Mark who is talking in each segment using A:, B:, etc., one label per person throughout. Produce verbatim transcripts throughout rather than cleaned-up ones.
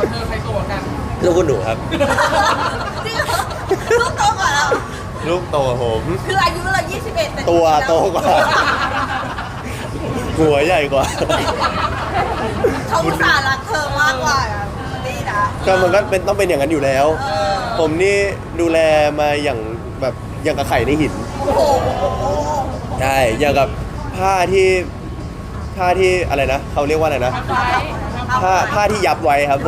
A: เธอใครตัวกัน
B: ลูกคุณหนูครับ
C: จริงเหรอลูกโตกว่าเรา
B: ลูกโตกว่าผม
C: คืออายุเรายี่สิบเอ็ดแต่
B: ตัวโตกว่า หัวใหญ่กว่า
C: เขาอุตส่าห์รักเธอมากกว่าดีนะ
B: ก็มันก็เป็นต้องเป็นอย่างนั้นอยู่แล้ว
C: เออ
B: ผมนี่ดูแลมาอย่างแบบอย่างกับไข่ในหิน
C: โอ้โห
B: ใช่อย่างกับผ้าที่ผ้าที่อะไรนะเขาเรียกว่าอะไรนะผ้าผ้าที่ยับไว้ครับผม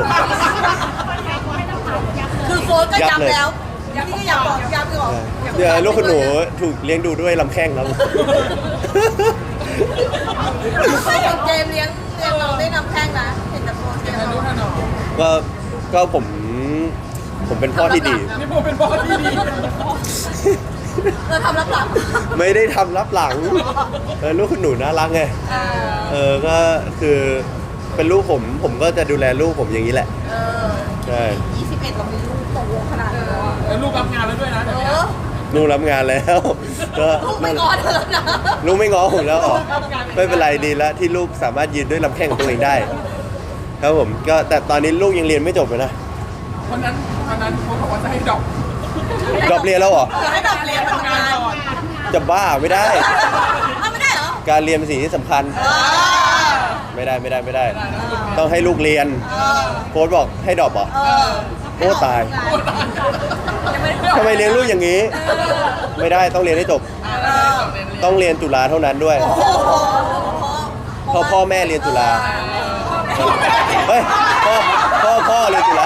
C: คือโฟนก็ย้ำแล้วนี่ก็อยากบอกย้ำอีกเหรอ
B: เดี๋ยวลูกคุณหนูถูกเลี้ยงดูด้วยลำแข้งครับ
C: ไม่เห็นเจมส์เลี้ยงเลี้ยงน้องได้นำแข้งนะเห็นแต่โฟนเลี้ยงน้อง
B: ก็ก็ผมผมเป็นพ่อที่ดี
A: นี่ผมเป็นพ่อที่ดี
C: เราทำรับหลัง
B: ไม่ได้ทำรับหลังเออลูกคุณหนูน่ารักไง
C: เออ
B: เออก็คือเป็นลูกผมผมก็จะดูแลลูกผมอย่างนี้แหละ
C: เออ
B: ใช่
C: ยี่สิบเอ็ดเรามีลูกโตขนาดนี้แล้วอะ
A: แล้วลูกรับงานแล้วด้วยนะ
C: เอ
A: เดี๋ยวนี้
C: อ
B: ลูกรับงานแล้ว ก็
C: ลูกไม่งอเธอแล้วนะ
B: ลูกไม่ง้อผมแล้วเหรอไม่เป็นไรดีแล้วที่ลูกสามารถยืนด้วยลำแข้งของตัวเองได้ ครับผมก็แต่ตอนนี้ลูกยังเรียนไม่จบเลยนะ
A: วันนั้นวันนั้นเขาบอกว่าจะให้ดอก
B: จบเรียนแล้วเหรอ
C: เออให้แบบเรียนมาทำงาน
A: ก่อน
B: จะบ้าไม่ได้
C: เอาไม่ได้เหรอ
B: การเรียนเป็นสิ่งที่สำคัญ
C: เออ
B: ไม่ได้ไม่ได้ไม่ได้ ต้องให้ลูกเรียน
C: เออ
B: โค้ชบอกให้ดรอปเหรอ
C: เออ
B: โอ้ตาย
C: ยังไม่ได้
B: ทำไมเลี้ยงลูกอย่างนี้ ไม่ได้ต้องเรียนให้จบ
C: เออ
B: ต้องเรียนจุฬาเท่านั้นด้วย
C: โอ้โห
B: เพราะพ่อแม่เรียนจุฬาเฮ้ยพ่อพ่อพ่อเรียนจุฬา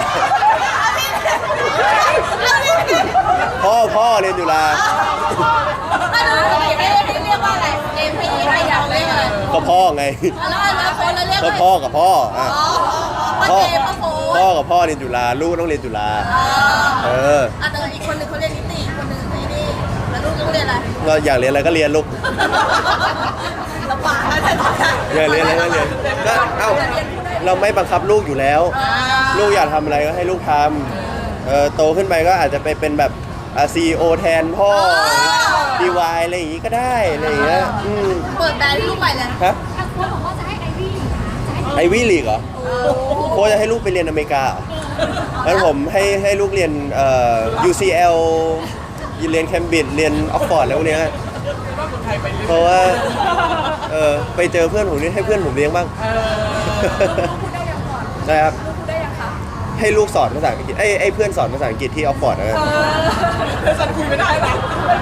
B: พ่อพ่อเรียนจุฬา
C: ถ้าดูสมัยไม่ได้เรียกว่าอะไรเอ็มพีให้เราเรียกอะไร
B: ก็พ่อไง
C: แล้วอนาคตเราเรียก
B: ก็
C: อะไร
B: พ่อกับพ่ออ่ะ
C: อ๋อพ่
B: พ่
C: อ
B: อ
C: เจพ่อโฟ
B: พ่อกับพ่อเรียนจุฬาลูกต้องเรียนจุฬา เออ
C: อ่ะแต่อีกคนหนึ่งเขาเรียนนิติอีกคนหนึ่งไอ้นี่แล้วลูกต้องเรียนอะไร
B: ก็อยากเรียนอะไรก็เรียนลูก
C: ลำบากนะแต่ตอนนั้น
B: อยากเรียนอะไรก็เรียนก็เอ้าเราไม่บังคับลูกอยู่แล้ว ลูกอยากทำอะไรก็ให้ลูกทำเออโตขึ้นไปก็อาจจะไปเป็นแบบซีอีโอแทนพ่อดีวายอะไรอย่างงี้ก็ได้อะไรอย่างเงี้ยอืม
C: เปิดแบรนด์ให้ลูกใหม่เลย
B: ฮะ
D: ทางโค้ชบอกว่าจะให้ไอวี่นะจะให้
B: ไอวี่ลีกเหรอโค้ชจะให้ลูกไปเรียนอเมริกาเหรองั้นผมให้ให้ลูกเรียนเอ่อ ยู ซี แอล เรียนแคมบริดจ์เรียนออกฟอร์ดอะไรพวกเนี้ย
A: ว่าคนไทยไปเรื่อย
B: เพราะว่าเออไปเจอเพื่อนผมนี่ให้เพื่อนผมเลี้ยงบ้าง
A: เออ
C: พูดได้ยังก่อน
B: นะครับ
C: พูดได้ยังคะ
B: ให้ลูกสอนภาษาอังกฤษไอ้ไอ้เพื่อนสอนภาษาอังกฤษที่ออกฟอร์ดนะครับ
A: เธอสันคุยไม่ได้หรอ